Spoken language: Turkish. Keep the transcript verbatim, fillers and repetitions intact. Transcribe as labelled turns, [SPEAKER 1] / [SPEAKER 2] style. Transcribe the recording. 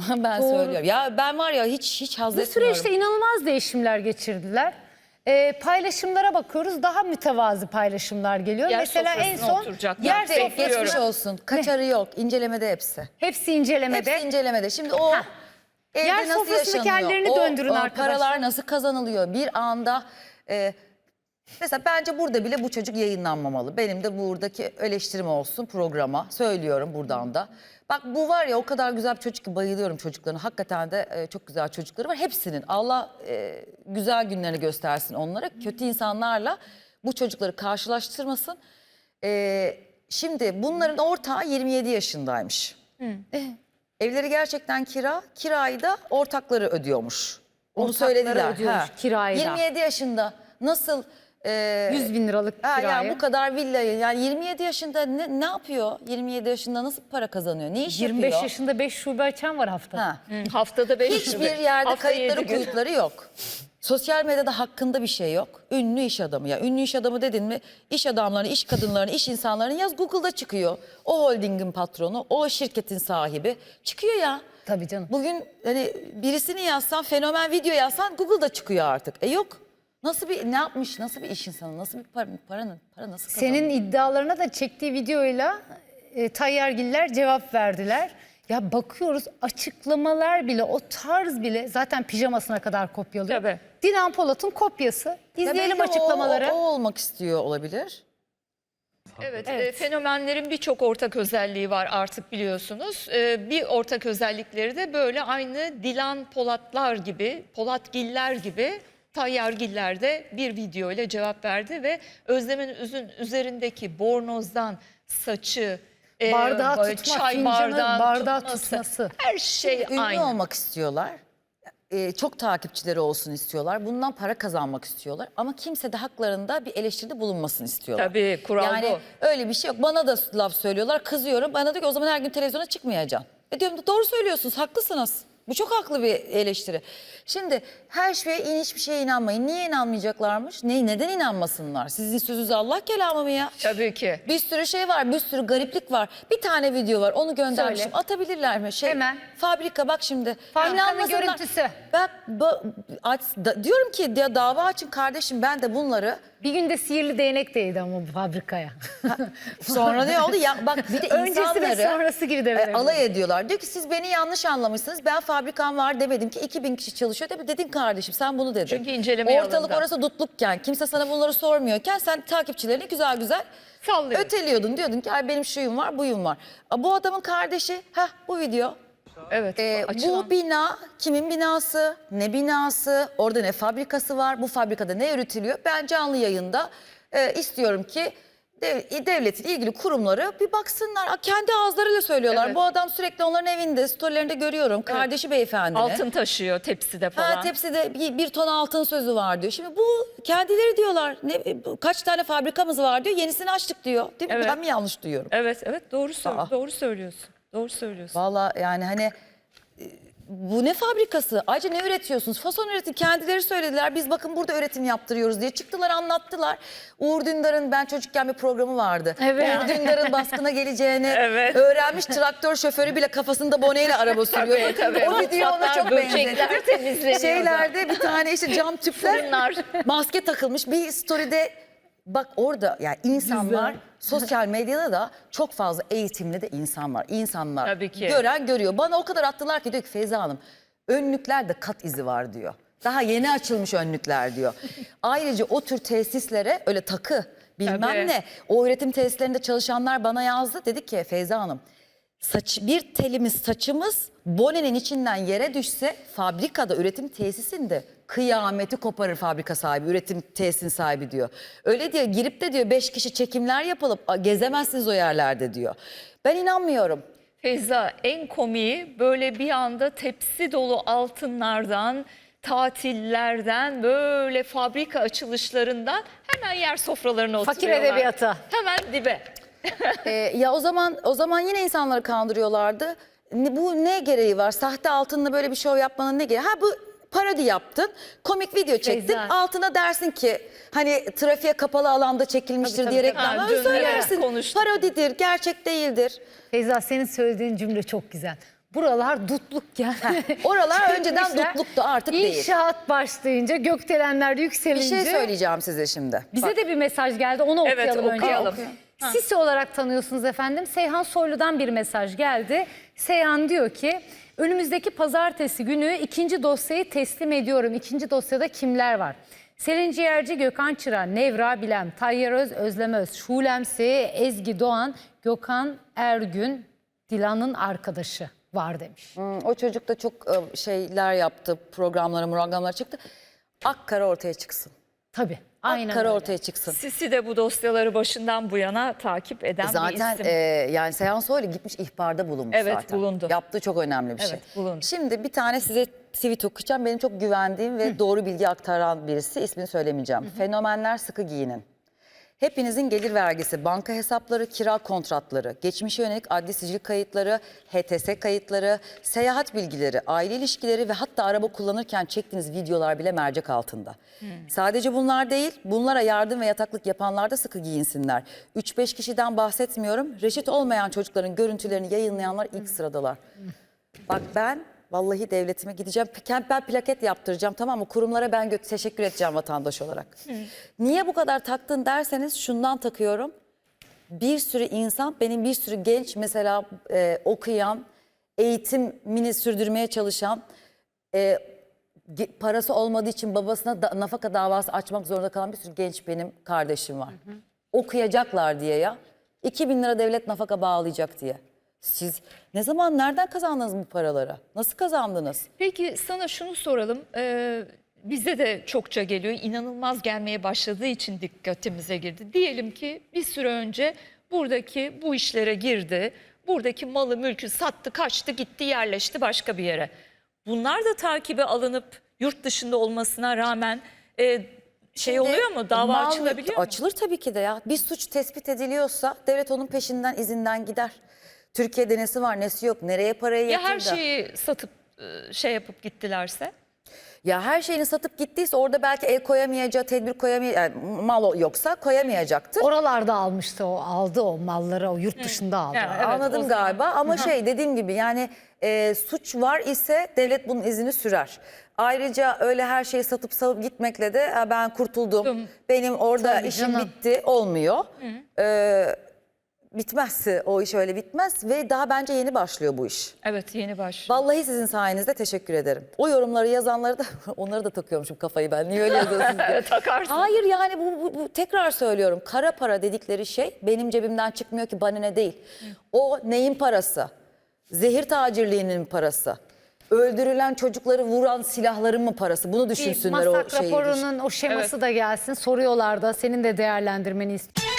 [SPEAKER 1] Ben
[SPEAKER 2] Doğru.
[SPEAKER 1] söylüyorum. Ya ben var ya hiç hiç haz
[SPEAKER 2] Bu
[SPEAKER 1] etmiyorum.
[SPEAKER 2] süreçte inanılmaz değişimler geçirdiler. Ee, paylaşımlara bakıyoruz, daha mütevazı paylaşımlar geliyor.
[SPEAKER 3] Yer
[SPEAKER 2] Mesela en
[SPEAKER 3] sofrasına
[SPEAKER 2] son
[SPEAKER 3] oturacaklar.
[SPEAKER 2] yer
[SPEAKER 3] Bekliyorum.
[SPEAKER 2] sofrası
[SPEAKER 1] Geçmiş olsun. Kaçarı yok. İncelemede hepsi.
[SPEAKER 2] hepsi incelemede.
[SPEAKER 1] Hepsi incelemede. Şimdi o
[SPEAKER 2] Heh.
[SPEAKER 1] evde
[SPEAKER 2] Yer
[SPEAKER 1] nasıl
[SPEAKER 2] sofrasındaki
[SPEAKER 1] yaşanıyor?
[SPEAKER 2] hallerini
[SPEAKER 1] O,
[SPEAKER 2] döndürün
[SPEAKER 1] o
[SPEAKER 2] arkadaşlar.
[SPEAKER 1] paralar nasıl kazanılıyor? Bir anda e, mesela bence burada bile bu çocuk yayınlanmamalı. Benim de buradaki eleştirim olsun programa. Söylüyorum buradan da. Bak bu var ya o kadar güzel bir çocuk ki bayılıyorum çocuklarına. Hakikaten de e, çok güzel çocukları var. Hepsinin Allah e, güzel günlerini göstersin onlara. Kötü insanlarla bu çocukları karşılaştırmasın. E, şimdi bunların ortağı yirmi yedi yaşındaymış. Eh, evleri gerçekten kira. Kirayı da ortakları ödüyormuş. Onu
[SPEAKER 2] Ortakları
[SPEAKER 1] söylediler.
[SPEAKER 2] ödüyormuş kirayı da.
[SPEAKER 1] yirmi yedi yaşında nasıl... e,
[SPEAKER 2] yüz bin liralık
[SPEAKER 1] Ha,
[SPEAKER 2] kirayı.
[SPEAKER 1] yani bu kadar villayı yani yirmi yedi yaşında ne, ne yapıyor? yirmi yedi yaşında nasıl para kazanıyor? Ne iş
[SPEAKER 2] yirmi beş
[SPEAKER 1] yapıyor?
[SPEAKER 2] yaşında beş şube açan var haftada.
[SPEAKER 1] Ha.
[SPEAKER 3] Haftada beş
[SPEAKER 1] Hiçbir yerde kayıtları kuyutları yok. Sosyal medyada hakkında bir şey yok. Ünlü iş adamı ya. Ünlü iş adamı dedin mi iş adamlarını, iş kadınlarını, iş insanlarını yaz Google'da çıkıyor. O holdingin patronu, o şirketin sahibi çıkıyor ya.
[SPEAKER 2] Tabii canım.
[SPEAKER 1] Bugün hani birisini yazsan, fenomen video yazsan Google'da çıkıyor artık. E yok. Nasıl bir ne yapmış? Nasıl bir iş insanı? Nasıl bir para, paranın para nasıl kazanıyor?
[SPEAKER 2] Senin iddialarına da çektiği videoyla e, Tayyargiller cevap verdiler. Ya bakıyoruz açıklamalar bile, o tarz bile zaten pijamasına kadar kopyalıyor.
[SPEAKER 3] Tabii.
[SPEAKER 2] Dilan Polat'ın kopyası. İzleyelim
[SPEAKER 1] Belki
[SPEAKER 2] açıklamaları.
[SPEAKER 1] O, o olmak istiyor olabilir.
[SPEAKER 3] Evet,
[SPEAKER 2] Evet.
[SPEAKER 3] e, fenomenlerin birçok ortak özelliği var artık biliyorsunuz. E, bir ortak özellikleri de böyle aynı Dilan Polatlar gibi, Polatgiller gibi Tayyargiller de bir video ile cevap verdi ve Özlem'in üzün üzerindeki bornozdan saçı, e,
[SPEAKER 2] Bardağı
[SPEAKER 3] böyle
[SPEAKER 2] tutma,
[SPEAKER 3] çay
[SPEAKER 2] fincanı
[SPEAKER 3] bardağını
[SPEAKER 2] bardağı
[SPEAKER 3] tutması,
[SPEAKER 2] tutması.
[SPEAKER 3] her şey
[SPEAKER 1] Ünlü
[SPEAKER 3] aynı.
[SPEAKER 1] olmak istiyorlar. Ee, çok takipçileri olsun istiyorlar. Bundan para kazanmak istiyorlar. Ama kimse de haklarında bir eleştiride bulunmasın istiyorlar.
[SPEAKER 3] Tabii, kural
[SPEAKER 1] yani
[SPEAKER 3] bu.
[SPEAKER 1] öyle bir şey yok. Bana da laf söylüyorlar. Kızıyorum. Bana diyor ki o zaman her gün televizyona çıkmayacaksın. E diyorum doğru söylüyorsunuz. Haklısınız. Bu çok haklı bir eleştiri. Şimdi her şeye hiçbir şeye inanmayın. Niye inanmayacaklarmış? Ne, neden inanmasınlar? Sizin sözünüz Allah kelamı mı ya?
[SPEAKER 3] Tabii ki.
[SPEAKER 1] Bir sürü şey var, bir sürü gariplik var. Bir tane video var, onu göndermişim.
[SPEAKER 2] Söyle.
[SPEAKER 1] Atabilirler mi? Şey,
[SPEAKER 2] Hemen.
[SPEAKER 1] Fabrika bak şimdi.
[SPEAKER 2] Fabrikanın
[SPEAKER 1] İnanmasınlar.
[SPEAKER 2] görüntüsü.
[SPEAKER 1] Bak, ba- aç, da- diyorum ki ya dava açın kardeşim ben de bunları.
[SPEAKER 2] Bir günde sihirli değnek değdi ama bu fabrikaya.
[SPEAKER 1] Sonra ne oldu? Ya bak bir de
[SPEAKER 2] Öncesi ve
[SPEAKER 1] insanları
[SPEAKER 2] sonrası gibi de
[SPEAKER 1] e,
[SPEAKER 2] verebilirim.
[SPEAKER 1] alay ediyorlar. Diyor ki siz beni yanlış anlamışsınız. Ben fabrikam var demedim ki iki bin kişi çalışıyor. Tabii dedin kardeşim sen bunu dedin.
[SPEAKER 3] Çünkü incelemeye
[SPEAKER 1] Ortalık
[SPEAKER 3] alındı.
[SPEAKER 1] orası dutlukken kimse sana bunları sormuyorken sen takipçilerini güzel güzel
[SPEAKER 3] Sallıyor.
[SPEAKER 1] öteliyordun. Diyordun ki ay benim şuyum var buyum var. A, bu adamın kardeşi heh bu video.
[SPEAKER 3] Evet.
[SPEAKER 1] Ee,
[SPEAKER 3] açılan.
[SPEAKER 1] bu bina kimin binası, ne binası, orada ne fabrikası var, bu fabrikada ne üretiliyor? Ben canlı yayında e, istiyorum ki dev- devletin ilgili kurumları bir baksınlar. A, kendi ağızlarıyla söylüyorlar.
[SPEAKER 3] Evet.
[SPEAKER 1] Bu adam sürekli onların evinde, storylerinde görüyorum. Kardeşi beyefendi.
[SPEAKER 3] Altın taşıyor tepside falan.
[SPEAKER 1] Ha, tepside bir, bir ton altın sözü var diyor. Şimdi bu kendileri diyorlar. Ne, bu, kaç tane fabrikamız var diyor. Yenisini açtık diyor. Değil mi?
[SPEAKER 3] Evet.
[SPEAKER 1] Ben mi yanlış duyuyorum?
[SPEAKER 3] Evet, evet doğru söyle
[SPEAKER 1] Aa.
[SPEAKER 3] doğru söylüyorsun. Doğru söylüyorsun.
[SPEAKER 1] Vallahi yani hani e, bu ne fabrikası? Ayrıca ne üretiyorsunuz? Fason üretim. Kendileri söylediler. Biz bakın burada üretim yaptırıyoruz diye çıktılar anlattılar. Uğur Dündar'ın ben çocukken bir programı vardı.
[SPEAKER 2] Evet.
[SPEAKER 1] Uğur Dündar'ın baskına geleceğini
[SPEAKER 3] Evet.
[SPEAKER 1] öğrenmiş traktör şoförü bile kafasında boneyle araba sürüyor.
[SPEAKER 3] Tabii, tabii.
[SPEAKER 1] O video ona
[SPEAKER 3] Mutfaklar,
[SPEAKER 1] çok
[SPEAKER 3] böcekler
[SPEAKER 1] benzetti.
[SPEAKER 3] temizleniyor.
[SPEAKER 1] Şeylerde bir tane işte cam tüpler
[SPEAKER 3] Fırınlar.
[SPEAKER 1] maske takılmış bir story'de. Bak orada yani insanlar sosyal medyada da çok fazla eğitimli de insan var. İnsanlar
[SPEAKER 3] Tabii ki.
[SPEAKER 1] gören görüyor. Bana o kadar attılar ki diyor ki Feyza Hanım önlüklerde kat izi var diyor. Daha yeni açılmış önlükler diyor. Ayrıca o tür tesislere öyle takı bilmem
[SPEAKER 3] Tabii.
[SPEAKER 1] ne. O üretim tesislerinde çalışanlar bana yazdı. Dedi ki Feyza Hanım saç, bir telimiz saçımız bonenin içinden yere düşse fabrikada üretim tesisinde kıyameti koparır fabrika sahibi, üretim tesisinin sahibi diyor. Öyle diyor girip de diyor beş kişi çekimler yapılıp "A, gezemezsiniz o yerlerde diyor. Ben inanmıyorum.
[SPEAKER 3] Feyza en komiği böyle bir anda tepsi dolu altınlardan, tatillerden, böyle fabrika açılışlarından hemen yer sofralarına
[SPEAKER 2] Fakir
[SPEAKER 3] oturuyorlar.
[SPEAKER 2] edebiyata.
[SPEAKER 3] Hemen dibe.
[SPEAKER 1] Ee, ya o zaman o zaman yine insanları kandırıyorlardı. Ne- Bu ne gereği var? Sahte altınla böyle bir şov yapmanın ne gereği? Ha bu parodi yaptın, komik video çektin.
[SPEAKER 2] Feyza.
[SPEAKER 1] Altına dersin ki hani trafiğe kapalı alanda çekilmiştir
[SPEAKER 2] Tabii,
[SPEAKER 1] diye
[SPEAKER 2] tabii.
[SPEAKER 1] reklamlar
[SPEAKER 3] Ha, dün
[SPEAKER 1] söylersin.
[SPEAKER 3] konuştuk.
[SPEAKER 1] Parodidir, gerçek değildir.
[SPEAKER 2] Feyza senin söylediğin cümle çok güzel. buralar dutluk yani.
[SPEAKER 1] Oralar önceden
[SPEAKER 2] Çekmişler.
[SPEAKER 1] dutluktu, artık değil.
[SPEAKER 2] İnşaat başlayınca, gökdelenler
[SPEAKER 1] Bir
[SPEAKER 2] yükselince.
[SPEAKER 1] şey söyleyeceğim size şimdi.
[SPEAKER 2] Bize
[SPEAKER 1] Bak,
[SPEAKER 2] de bir mesaj geldi, onu
[SPEAKER 3] Evet,
[SPEAKER 2] okuyalım önce.
[SPEAKER 3] okuyalım.
[SPEAKER 2] Sisi olarak tanıyorsunuz efendim. Seyhan Soylu'dan bir mesaj geldi. Seyhan diyor ki, önümüzdeki pazartesi günü ikinci dosyayı teslim ediyorum. İkinci dosyada kimler var? Selin Ciğerci, Gökhan Çıra, Nevra Bilem, Tayyar Öz, Özlem Öz, Şulemsi, Ezgi Doğan, Gökhan Ergün, Dilan'ın arkadaşı var demiş.
[SPEAKER 1] hmm, o çocuk da çok e, şeyler yaptı, programlara, programlara çıktı. Akkara ortaya çıksın.
[SPEAKER 2] Tabii, aynen
[SPEAKER 1] Akkara
[SPEAKER 2] öyle.
[SPEAKER 1] ortaya çıksın.
[SPEAKER 3] Sisi de bu dosyaları başından bu yana takip eden
[SPEAKER 1] Zaten
[SPEAKER 3] bir isim.
[SPEAKER 1] e, yani Seyhan Soylu gitmiş ihbarda bulunmuş
[SPEAKER 3] Evet,
[SPEAKER 1] zaten.
[SPEAKER 3] bulundu.
[SPEAKER 1] Yaptığı çok önemli bir şey.
[SPEAKER 3] Evet, bulundu.
[SPEAKER 1] Şimdi bir tane size tweet okuyacağım. Benim çok güvendiğim ve doğru bilgi aktaran birisi. İsmini söylemeyeceğim. Fenomenler sıkı giyinin. Hepinizin gelir vergisi, banka hesapları, kira kontratları, geçmişe yönelik adli sicil kayıtları, H T S kayıtları, seyahat bilgileri, aile ilişkileri ve hatta araba kullanırken çektiğiniz videolar bile mercek altında. Sadece bunlar değil, bunlara yardım ve yataklık yapanlar da sıkı giyinsinler. üç beş kişiden bahsetmiyorum. Reşit olmayan çocukların görüntülerini yayınlayanlar ilk sıradalar. Bak ben vallahi devletime gideceğim. Ben plaket yaptıracağım, tamam mı? Kurumlara ben gö- teşekkür edeceğim vatandaş olarak. Niye bu kadar taktın derseniz şundan takıyorum. Bir sürü insan, benim bir sürü genç mesela e, okuyan, eğitimini sürdürmeye çalışan, e, ge- parası olmadığı için babasına da, nafaka davası açmak zorunda kalan bir sürü genç benim kardeşim var. Okuyacaklar diye ya. iki bin lira devlet nafaka bağlayacak diye. Siz ne zaman, nereden kazandınız bu paraları? Nasıl kazandınız?
[SPEAKER 3] Peki sana şunu soralım. Ee, bize de çokça geliyor. İnanılmaz gelmeye başladığı için dikkatimize girdi. Diyelim ki bir süre önce buradaki bu işlere girdi. Buradaki malı mülkü sattı, kaçtı, gitti, yerleşti başka bir yere. Bunlar da takibe alınıp yurt dışında olmasına rağmen e, şey
[SPEAKER 1] Şimdi
[SPEAKER 3] oluyor mu? Dava
[SPEAKER 1] mal-
[SPEAKER 3] açılabiliyor mu?
[SPEAKER 1] Açılır tabii ki de ya. Bir suç tespit ediliyorsa devlet onun peşinden, izinden gider. Türkiye'de nesi var, nesi yok, nereye parayı
[SPEAKER 3] Ya
[SPEAKER 1] yatırdı?
[SPEAKER 3] her şeyi satıp e, şey yapıp gittilerse?
[SPEAKER 1] Ya her şeyini satıp gittiyse orada belki el koyamayacağı, tedbir koyamayacağı, yani mal yoksa koyamayacaktır.
[SPEAKER 2] Oralarda almıştı o, aldı o malları, o yurt dışında aldı.
[SPEAKER 3] Yani evet,
[SPEAKER 1] Anladım
[SPEAKER 3] o zaman-
[SPEAKER 1] galiba ama şey dediğim gibi yani e, suç var ise devlet bunun izini sürer. Ayrıca öyle her şeyi satıp salıp gitmekle de "Ha, ben kurtuldum,
[SPEAKER 3] Dım.
[SPEAKER 1] benim orada
[SPEAKER 2] Tabii
[SPEAKER 1] işim
[SPEAKER 2] canım.
[SPEAKER 1] bitti" olmuyor. Ee, bitmezse o iş öyle bitmez ve daha bence yeni başlıyor bu iş.
[SPEAKER 3] Evet, yeni başlıyor.
[SPEAKER 1] Vallahi sizin sayenizde teşekkür ederim. O yorumları yazanları da onları da takıyormuşum kafayı ben. Niye öyle yazıyorsunuz diye.
[SPEAKER 3] Takarsın.
[SPEAKER 1] Hayır yani bu, bu, bu tekrar söylüyorum. Kara para dedikleri şey benim cebimden çıkmıyor ki, bana ne değil. O neyin parası? Zehir tacirliğinin parası. Öldürülen çocukları vuran silahların mı parası? Bunu
[SPEAKER 2] Bir
[SPEAKER 1] düşünsünler o
[SPEAKER 2] masak
[SPEAKER 1] şeyi.
[SPEAKER 2] raporunun o şeması da gelsin. Soruyorlar da, senin de değerlendirmeni istiyorum.